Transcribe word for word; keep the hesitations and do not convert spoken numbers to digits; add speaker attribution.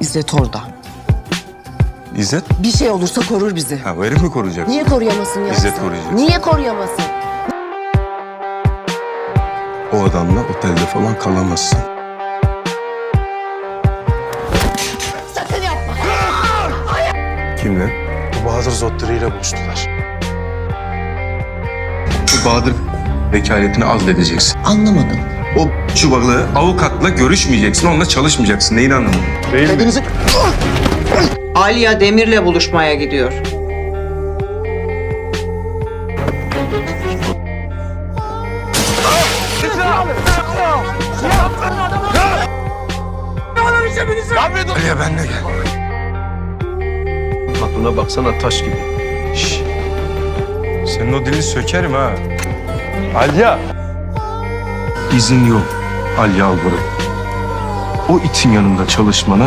Speaker 1: İzzet orada.
Speaker 2: İzzet?
Speaker 1: Bir şey olursa korur bizi.
Speaker 2: Ha, bu herif mi koruyacak?
Speaker 1: Niye koruyamasın ya?
Speaker 2: İzzet koruyacak.
Speaker 1: Niye koruyamasın?
Speaker 2: O adamla otelde falan kalamazsın.
Speaker 1: Sakın yapma.
Speaker 2: Kimle?
Speaker 3: Bu Bahadır Zotteri ile buluştular.
Speaker 2: Bu Bahadır vekaletini azledeceksin.
Speaker 1: Anlamadım.
Speaker 2: O çubaklı avukatla görüşmeyeceksin, onunla çalışmayacaksın. Neyini anlamadın?
Speaker 3: Değil mi?
Speaker 1: Dediniz...
Speaker 4: Alya Demir'le buluşmaya gidiyor.
Speaker 2: Aliye benle gel.
Speaker 3: Aklına baksana taş gibi.
Speaker 2: Şşş. Senin o dilini sökerim ha.
Speaker 3: Alya!
Speaker 2: İzin yok. Ali Alvarım. O itin yanında çalışmana